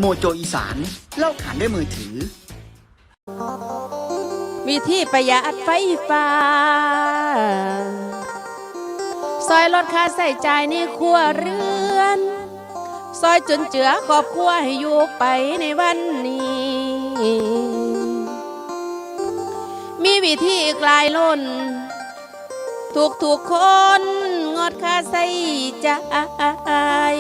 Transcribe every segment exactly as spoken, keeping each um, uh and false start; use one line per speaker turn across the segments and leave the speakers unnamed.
โมโจอีสานเล่าขานด้วยมือถือ
วิธีประหยัดไฟฟ้าซอยลดค่าใช้จ่ายในครัวเรือนซอยจนเจือครอบครัวให้อยู่ไปในวันนี้มีวิธีคลายล้นทุกทุกคนงดค่าใช้จ่าย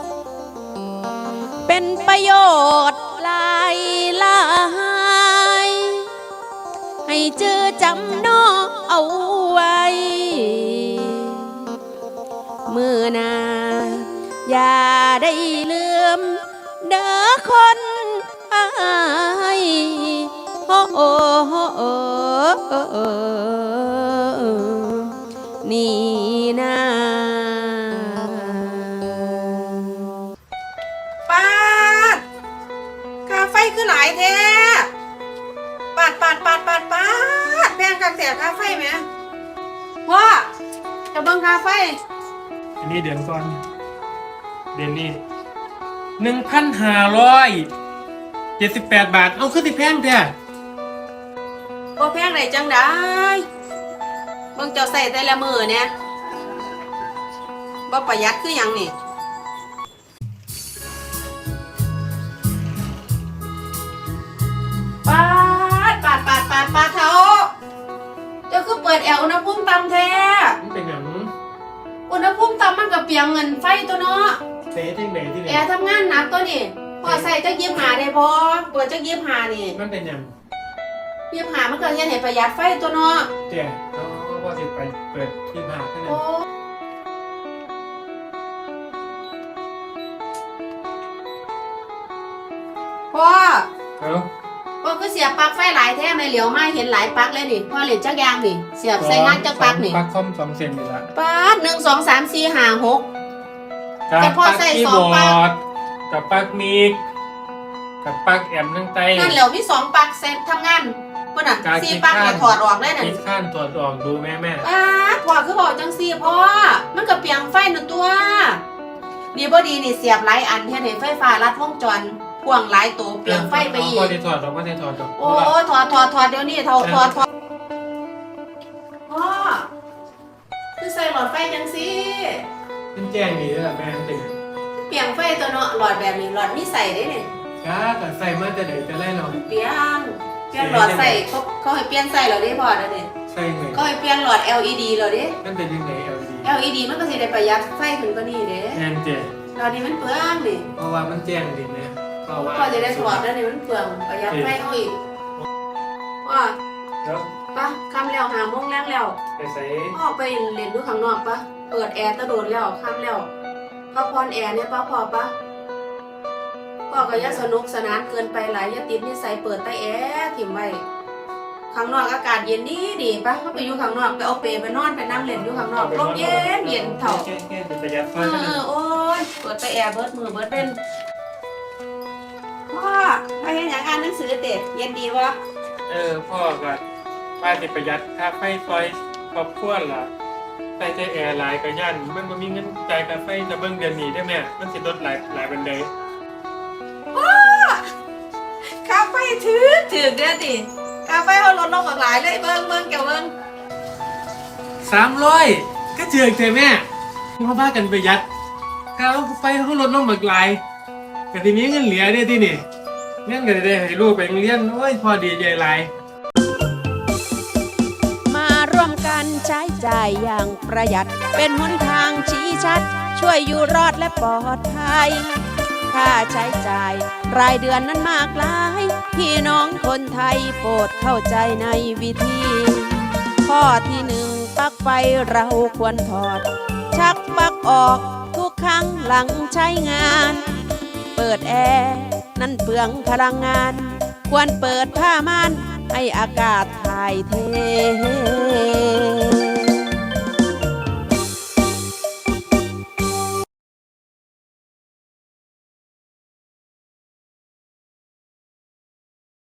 เป็นประโยชน์หลายหลายให้เจอจำน้องเอาไว้มือหน้าอย่าได้ลืมเด้อคนอายโอ้โอ้โอ้นี่นะ
ปาดค่าไฟคือหลายแท้ปาดปาดปาดปาดปาดแพงกังแต่ค่าไฟไหมพ่อจะเบิ่งค่าไฟ
อันนี้เดือนก่อนเดือนนี้หนึ่งพันห้าร้อยเจ็ดสิบแปดบาทเอาขึ้นที่แพงแท้
บ่แพงไหนจังได้เบิ่งเจ้าใส่แต่ละมือเนี่ยบ่ประหยัดคือหยังนี่ปาดปาดปาดปาดปาดเท้าเจ้าคือเปิดแอร์อุณหภูมิต่ำแท้
มันเป็นหยัง
อุณหภูมิต่ำมันก็เปลียงเงินไฟตัวเนาะ
เซ่ที่ไหนที่ไหน
แอร์ทำงานหนักตัวนี่พอใส่จะยิบหาได้พอเปิดจะยิบหานี่
มันเป็นหยัง
ยิบหามันก็เฮ็ดให้ประหยัดไฟตัวเนาะ
เจ้าอ๋อพอสิไปเปิดยิบหาแค่นั้น
พ่อ
เอ้า
พ่อก็เสียบปลั๊กไฟหลายแท้ไม่เหลียวมาเห็นหลายปลั๊กเลยนี่พ่อเหรียญจักยางนี่เสียบใส่งานจักปลั๊กนี่
ปลั๊กคอมสองเซนนี่ละ
ปลั๊กหนึ่งสองสามสี่ห้าหก
กับปลั๊กคีย์บอร์ดกับปลั๊กมิกกับปลั๊กแอมป์ทั้งไต
นั่นแหละมีสองปลั๊กเซตทำงานพ่อน่ะสี่ปลั๊กเนี่ยถอดออกได้น่ะ
คิดข้านถอดออกดูแม่แม่
ป้าพ่อคือบอกจังสี่พ่อมันก็เปลียงไฟนั่นตัวดีบ่ดีนี่เสียบหลายอันเฮ็ดให้ไฟฟ้าลัดวงจรพ่วงหลายตัวเปลียงไฟไปอีก
พอได้ถอดออกก็ได้ถอดออก
โอ้ถอดถอดถอดเดี๋ยวนี้ถอดถอดถอดพ่อคือใส่หลอดไฟจังสิ
เป็นแจ้งนี่แหละแม่ตื่น
เปลียงไฟตัวเนาะหลอดแบบนี้หลอดมีใส่ได้เนี่ย
ก้าแต่ใส่มาแต่ไหนจะไล่เรา
เปลี่ยนเปลี่ยนหลอดใส่เขาเขาให้เปลี่ยนใส่เราได้พอแล้วเนี่ย
ใช่ไง
เขาให้เปลี่ยนหลอด แอล อี ดี เราดิ
มันเป็นยังไง แอล อี ดี
แอล อี ดี มันก็สิได้ประหยัดไฟขึ้นกว่านี้เด้
แน่นเจ๊
หลอดนี้มันเปลืองดิ
เพราะว่ามันแจ้งดินนะเพราะว่า
พอจะได้ถอดแล้วนี่มันเปลืองประหยัดไฟเขาอีกว่าปะค่ำแล้วหาโมงแรงแล้ว
ไปใส่
ออกไปเล่นดูข้างนอกปะเปิดแอร์ตะโดดแล้วค่ำแล้วพักผ่อนแอร์เนี่ยปะพอปะพ่อก็อย่าสนุกสนานเกินไปหลายอย่าติดนิสัยเปิดใต้แอร์ถิ่มไว้ข้างนอกอากาศเย็นดีดีปะเขาไปอยู่ข้างนอกไปเอาเปรย์ไปนอนไปนั่งเล่นอยู่ข้างนอกลมเย็นเย็นเถ่าเออโอ้ยเปิดใต้แอร์เบิดมือเบิดเป็นพ่อมาเห็นอย่างอ่านหนังสือเด็ดเย็นดีวะ
เออพ่อก็ป้าติประหยัดค่าไฟซอยครอบครัวล่ะใส่ใจแอร์หลายก็ยันมันบ่มีเงินจ่ายค่าไฟจะเบิ่งเดือนนี้ได้แม่มันสิลดหลายหลายบันได
ค่าไฟถือถือเด้อดิค่าไฟเขาลดลงหลายเลยเบิ่งเบิ่งแกเบิ่ง
สามร้อยก็เจือกเถอะแม่พ่อบ้ากันประหยัดค่าไฟเขาลดลงหลายก็ทีนี้เงินเหลือได้ที่นี่เงินก็ได้ให้ลูกไปโรงเรียนโอ้ยพอดีใจหลาย
มาร่วมกันใช้จ่ายอย่างประหยัดเป็นหนทางชี้ชัดช่วยอยู่รอดและปลอดภัยค่าใช้จ่ายรายเดือนนั้นมากหลายพี่น้องคนไทยโปรดเข้าใจในวิธีข้อที่หนึ่งปลั๊กไฟเราควรถอดชักปลั๊กออกทุกครั้งหลังใช้งานเปิดแอร์นั่นเปลืองพลังงานควรเปิดผ้าม่านให้อากาศถ่ายเท